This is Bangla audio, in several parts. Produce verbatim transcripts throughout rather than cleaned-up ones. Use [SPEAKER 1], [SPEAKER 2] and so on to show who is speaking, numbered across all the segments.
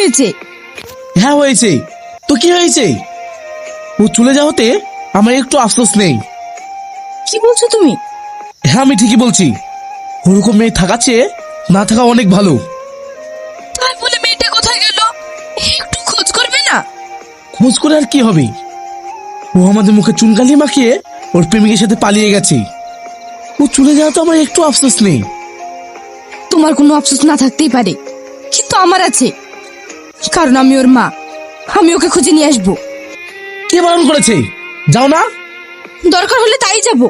[SPEAKER 1] হয়েছে?
[SPEAKER 2] হ্যাঁ হয়েছে। তো কি হয়েছে? ও চলে যাওয়াতে আমার একটু আফসোস নেই।
[SPEAKER 1] কি বলছো তুমি?
[SPEAKER 2] হ্যাঁ আমি ঠিকই বলছি। ওরকম মেয়ে থাকা চেয়ে না থাকা অনেক ভালো।
[SPEAKER 1] তাই বলে মেয়েটা কোথায় গেল? একটু খোঁজ করবে না?
[SPEAKER 2] খোঁজ করে আর কি হবে? ও আমাদের মুখে চুনকালি মাখিয়ে ওর প্রেমিকের সাথে পালিয়ে গেছে। ও চলে যাওয়াতে আমার একটু আফসোস নেই।
[SPEAKER 1] তোমার কোনো আফসোস না থাকতেই পারে, কিন্তু আমার আছে। কারণ আমি ওর মা। আমি ওকে খুঁজে নিয়ে আসবো।
[SPEAKER 2] কে বারণ করেছে? যাও না।
[SPEAKER 1] দরকার হলে তাই যাব।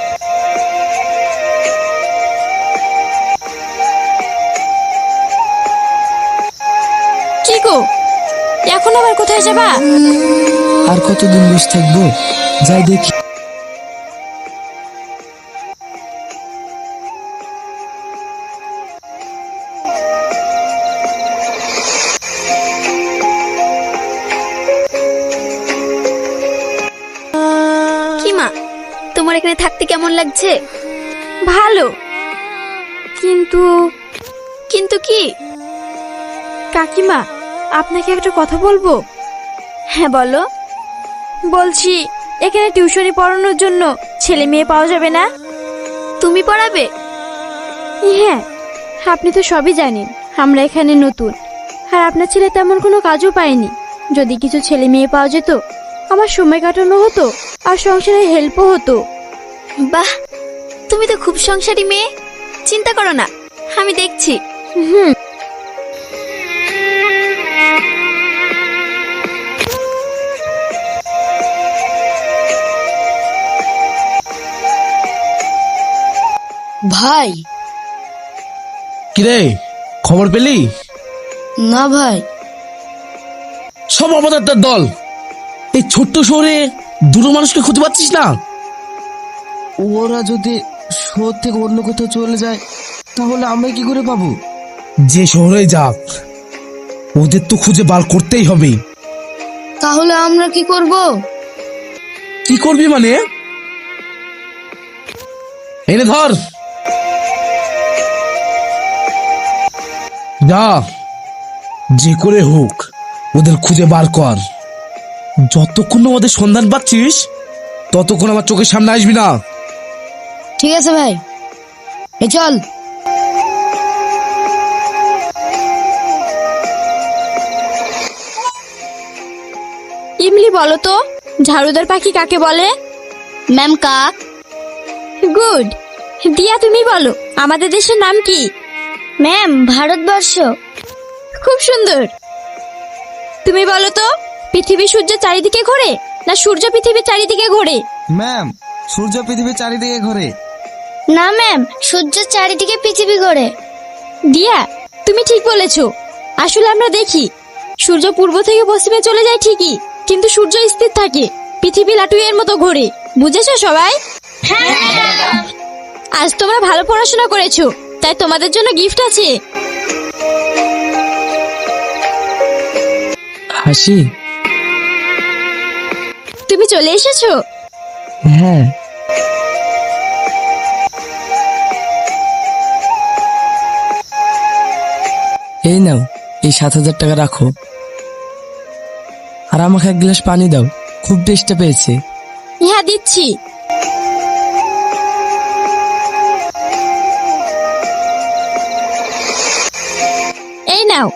[SPEAKER 1] কি গো, এখন আবার কোথায় যাবা?
[SPEAKER 3] আর কতদিন বসে থাকবো, যাই দেখি।
[SPEAKER 4] কি মা, তোমার এখানে থাকতে কেমন লাগছে?
[SPEAKER 1] ভালো,
[SPEAKER 4] কিন্তু কিন্তু কি?
[SPEAKER 1] কাকিমা আপনাকে একটা কথা বলবো।
[SPEAKER 4] হ্যাঁ বলো।
[SPEAKER 1] বলছি, এখানে টিউশনি পড়ানোর জন্য ছেলে মেয়ে পাওয়া যাবে না?
[SPEAKER 4] তুমি পড়াবে?
[SPEAKER 1] হ্যাঁ, আপনি তো সবই জানেন আমরা এখানে নতুন, আর আপনার ছেলে তেমন কোনো কাজও পায়নি। যদি কিছু ছেলে মেয়ে পাওয়া যেত, আমার সময় কাটানো হতো আর সংসারে হেল্পও হতো।
[SPEAKER 4] বাহ, তুমি তো খুব সংসারী মেয়ে। চিন্তা করো না, আমি দেখছি।
[SPEAKER 1] হুম।
[SPEAKER 5] ভাই।
[SPEAKER 2] কিরে, খবর পেলি?
[SPEAKER 5] না ভাই।
[SPEAKER 2] সব অপদার্থের দল। এই ছোট্ট শহরে দুটো মানুষকে খুঁজে পাচ্ছিস না?
[SPEAKER 3] ওরা যদি শহর থেকে অন্য কোথাও চলে যায়, তাহলে আমরা কি করে পাবো?
[SPEAKER 2] যে শহরে যাক, ওদের তো খুঁজে বার করতেই হবে।
[SPEAKER 5] তাহলে আমরা কি করব?
[SPEAKER 2] কি করবি মানে? এনে ধর। যা, যে করে হোক ওদের খুঁজে বার কর। যতক্ষণ না ওদের সন্ধান পাচ্ছিস, ততক্ষণ আমার চোখের সামনে আসবি না।
[SPEAKER 5] ঠিক আছে ভাই, এ চল।
[SPEAKER 1] ইমলি বলো তো, ঝাড়ুদার পাখি কাকে বলে?
[SPEAKER 5] ম্যাম কাক।
[SPEAKER 1] গুড। দিয়া তুমি বলো, আমাদের দেশের নাম কি?
[SPEAKER 5] ম্যাম ভারতবর্ষ।
[SPEAKER 1] খুব সুন্দর। তুমি বলো তো, পৃথিবী সূর্যের চারিদিকে ঘোরে না সূর্য পৃথিবীর চারিদিকে ঘোরে?
[SPEAKER 3] ম্যাম, সূর্য পৃথিবীর চারিদিকে ঘোরে।
[SPEAKER 5] না ম্যাম, সূর্যের চারিদিকে পৃথিবী ঘোরে।
[SPEAKER 1] দিয়া, তুমি ঠিক বলেছো। আসলে আমরা দেখি সূর্য পূর্ব থেকে পশ্চিমে চলে যায় ঠিকই, কিন্তু সূর্য স্থির থাকে, পৃথিবী লাটুইয়ের মতো ঘোরে। বুঝেছো সবাই? আজ তোমরা ভালো পড়াশোনা করেছো, তাই তোমাদের জন্য গিফট আছে।
[SPEAKER 3] হাসি।
[SPEAKER 1] তুমি চলে এসেছো?
[SPEAKER 3] হ্যাঁ। এই নাও, এই সাত হাজার টাকা রাখো, আর আমাকে এক গ্লাস পানি দাও, খুব তেষ্টা পেয়েছে।
[SPEAKER 1] হ্যাঁ দিচ্ছি। এই নাও।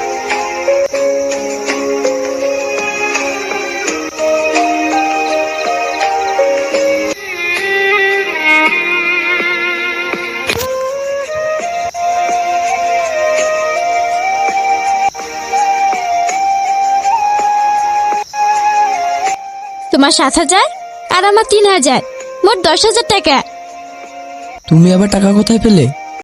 [SPEAKER 1] তোমার সাত হাজার আর আমার তিন হাজার, মোট দশ হাজার টাকা।
[SPEAKER 3] তুমি আবার টাকা কোথায় পেলে?